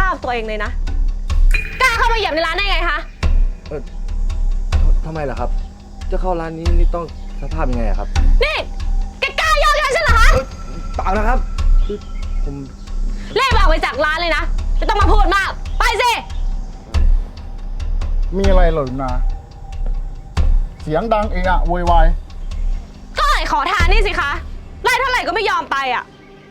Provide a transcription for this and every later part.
พตัวเองเลยนะกล้าเข้ามาเหยียบในร้านได้ไงคะทำไมล่ะครับจะเข้าร้านนี้นี่ต้องสภาพยังไงครับนี่แกกล้ายอมฉันเหรอคะเปล่านะครับคือผมรีบออกไปจากร้านเลยนะไม่ต้องมาพูดมากไปสิมีอะไรเหรอนะเสียงดังเอะอะโวยวายก็ไอ้ขอทานนี่สิคะไล่เท่าไหร่ก็ไม่ยอมไปอ่ะ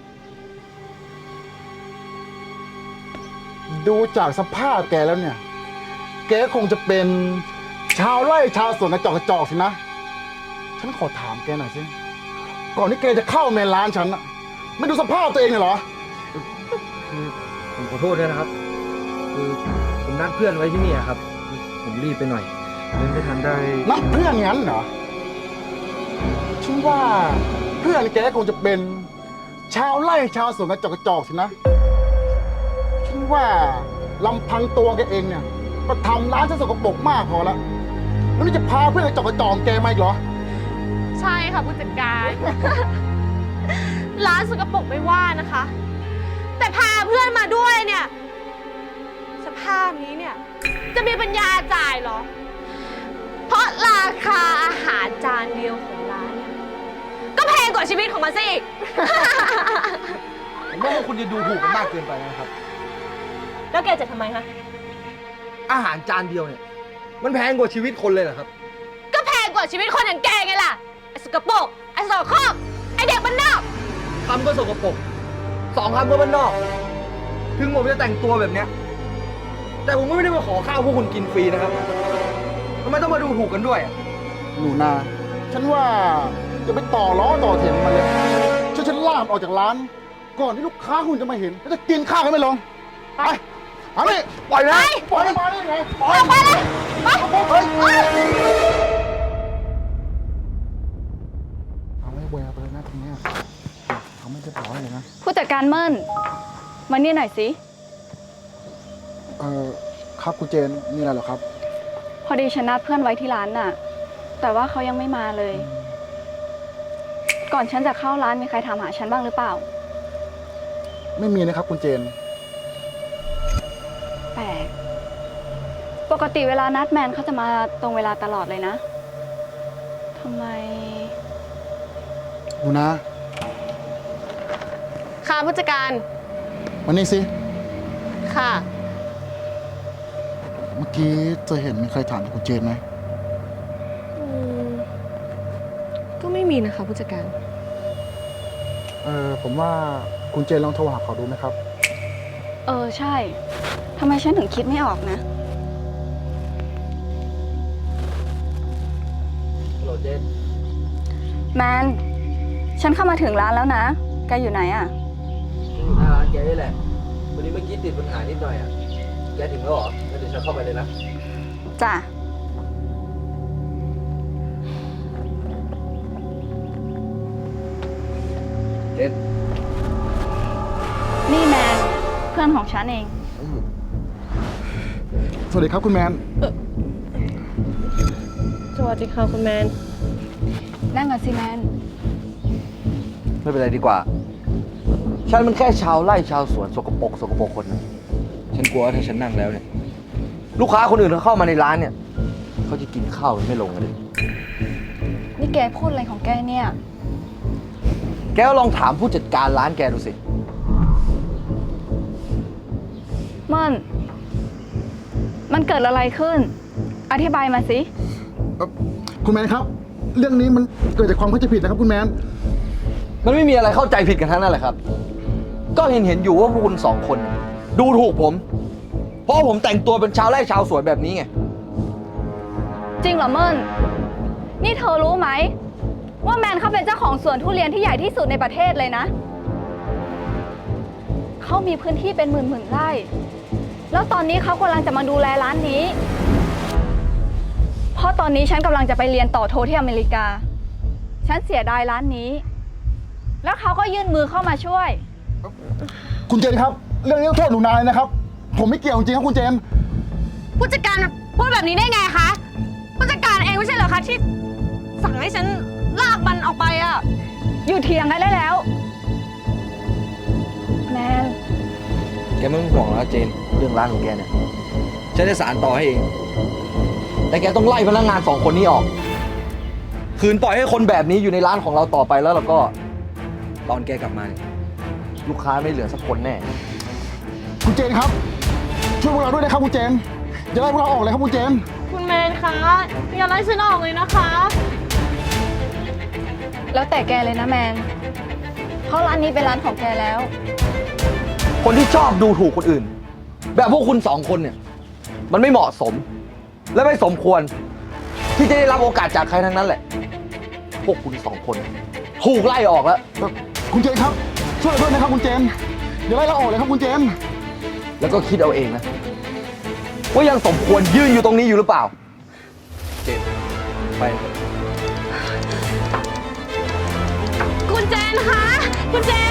ดูจากสภาพแกแล้วเนี่ยแกคงจะเป็นชาวไร่ชาวสวนกระจอกสินะฉันขอถามแกหน่อยสิก่อนที่แกจะเข้าเมนร้านฉันอะไม่ดูสภาพตัวเองเลยเหรอคือผมขอโทษด้วยนะครับคือผมนัดเพื่อนไว้ที่นี่ครับผมรีบไปหน่อยเลยไม่ทันได้นัดเพื่อนงั้นเหรอฉันว่าเพื่อนแกคงจะเป็นชาวไร่ชาวสวนกระจอกสินะฉันว่าลำพังตัวแกเองเนี่ยก็ทำร้านฉันสกปรกมากพอแล้วแล้วนี่จะพาเพื่อนกระจอกแกมาอีกเหรอใช่ค่ะผู้จัดการ ร้านสกปรกไม่ว่านะคะแต่พาเพื่อนมาด้วยเนี่ยสภาพนี้เนี่ยจะมีปัญญาจ่ายเหรอเพราะราคาอาหารจานเดียวของร้านเนี่ยก็แพงกว่าชีวิตของมันซะอีกผมว่าคุณจะดูถูกกันมากเกินไปนะครับแล้วแกจะทำไมคะอาหารจานเดียวเนี่ยมันแพงกว่าชีวิตคนเลยเหรอครับก็แพงกว่าชีวิตคนอย่างแกไงล่ะไอ้สกปรกไอ้สกปรกไอ้เด็กบ้านนอกคำก็สกปรกสองคำก็บ้านนอกถึงผมจะแต่งตัวแบบเนี้ยแต่ผมก็ไม่ได้มาขอข้าวพวกคุณกินฟรีนะครับทำไมต้องมาดูถูกกันด้วยหนูนาฉันว่าจะไปต่อล้อต่อเถียงมันเลยช่วยฉันลากออกจากร้านก่อนที่ลูกค้าคุณจะมาเห็นแล้วจะกินข้าวกันไม่ลงไปเอาดิปล่อยนะปล่อยมาได้ไงปล่อยไปเลยไปเอาไม่แววไปเลยนะทีนี้เขาไม่จะปล่อยเลยนะผู้จัดการเมิ่นมานี่หน่อยสิครับคุณเจนมีอะไรเหรอครับพอดีฉันนัดเพื่อนไว้ที่ร้านน่ะแต่ว่าเขายังไม่มาเลยก่อนฉันจะเข้าร้านมีใครถามหาฉันบ้างหรือเปล่าไม่มีนะครับคุณเจนแปลกปกติเวลานัดแมนเขาจะมาตรงเวลาตลอดเลยนะทำไมหนูนะค่ะผู้จัดการวันนี้สิค่ะเมื่อกี้จะเห็นมีใครถามคุณเจนไหมก็ไม่มีนะคะผู้จัดการผมว่าคุณเจนลองโทรหาเขาดูไหมครับใช่ทำไมฉันถึงคิดไม่ออกนะฮัลโหลเจนแมนฉันเข้ามาถึงร้านแล้วนะแกอยู่ไหนอ่ะอยู่หน้าร้านแกนี่แหละวันนี้เมื่อกี้ติดปัญหานิดหน่อยอ่ะแกถึงแล้วเหรองั้นเดี๋ยวฉันเข้าไปเลยนะจ้ะเจนนี่แมนเพื่อนของฉันเองสวัสดีครับคุณแมนสวัสดีค่ะคุณแมนนั่งก่อนสิแมนไม่เป็นไรดีกว่าฉันมันแค่ชาวไร่ชาวสวนสกปรกคนนึงฉันกลัวว่าถ้าฉันนั่งแล้วเนี่ยลูกค้าคนอื่นเขาเข้ามาในร้านเนี่ยเขาจะกินข้าวไม่ลงกันเลยนี่แกพูดอะไรของแกเนี่ยแกก็ลองถามผู้จัดการร้านแกดูสิมันเกิดอะไรขึ้นอธิบายมาสิคุณแมนครับเรื่องนี้มันเกิดจากความเข้าใจผิดนะครับคุณแมนมันไม่มีอะไรเข้าใจผิดกันทั้งนั้นแหละครับก็เห็นอยู่ว่าพวกคุณสองคนดูถูกผมเพราะผมแต่งตัวเป็นชาวไร่ชาวสวนแบบนี้ไงจริงเหรอเมิ่นนี่เธอรู้ไหมว่าแมนเขาเป็นเจ้าของสวนทุเรียนที่ใหญ่ที่สุดในประเทศเลยนะเขามีพื้นที่เป็นหมื่นไร่แล้วตอนนี้เขากำลังจะมาดูแลร้านนี้เพราะตอนนี้ฉันกำลังจะไปเรียนต่อโทที่อเมริกาฉันเสียดายร้านนี้แล้วเขาก็ยื่นมือเข้ามาช่วยคุณเจนครับเรื่องนี้ต้องโทษหนูนายนะครับผมไม่เกี่ยวจริงครับคุณเจนผู้จัดการพูดแบบนี้ได้ไงคะผู้จัดการเองไม่ใช่เหรอคะที่สั่งให้ฉันลากมันออกไปอ่ะอยู่เถียงกันได้แล้วแมนแกไม่ต้องห่วงแล้วเจนเรื่องร้านของแกเนี่ยฉันจะสารต่อให้เอง แต่แกต้องไล่พนักงาน2 คนนี้ออก คืนปล่อยให้คนแบบนี้อยู่ในร้านของเราต่อไปแล้วก็ ตอนแกกลับมาเนี่ยลูกค้าไม่เหลือสักคนแน่คุณเจนครับ ช่วยพวกเราด้วยนะครับคุณเจน อย่าไล่พวกเราออกเลยครับคุณเจนคุณแมนคะอย่าไล่ฉันออกเลยนะคะแล้วแต่แกเลยนะแมน เพราะร้านนี้เป็นร้านของแกแล้วคนที่ชอบดูถูกคนอื่น แบบพวกคุณ2 คนเนี่ย มันไม่เหมาะสม และไม่สมควร ที่จะได้รับโอกาสจากใครทั้งนั้นแหละ พวกคุณ2 คนถูกไล่ออกแล้วคุณเจนครับ ช่วยเราด้วยนะครับคุณเจน อย่าไล่เราออกเลยครับคุณเจนแล้วก็คิดเอาเองนะ ว่ายังสมควรยืนอยู่ตรงนี้อยู่หรือเปล่า เจนไปเถอะคุณเจนคะ คุณเจน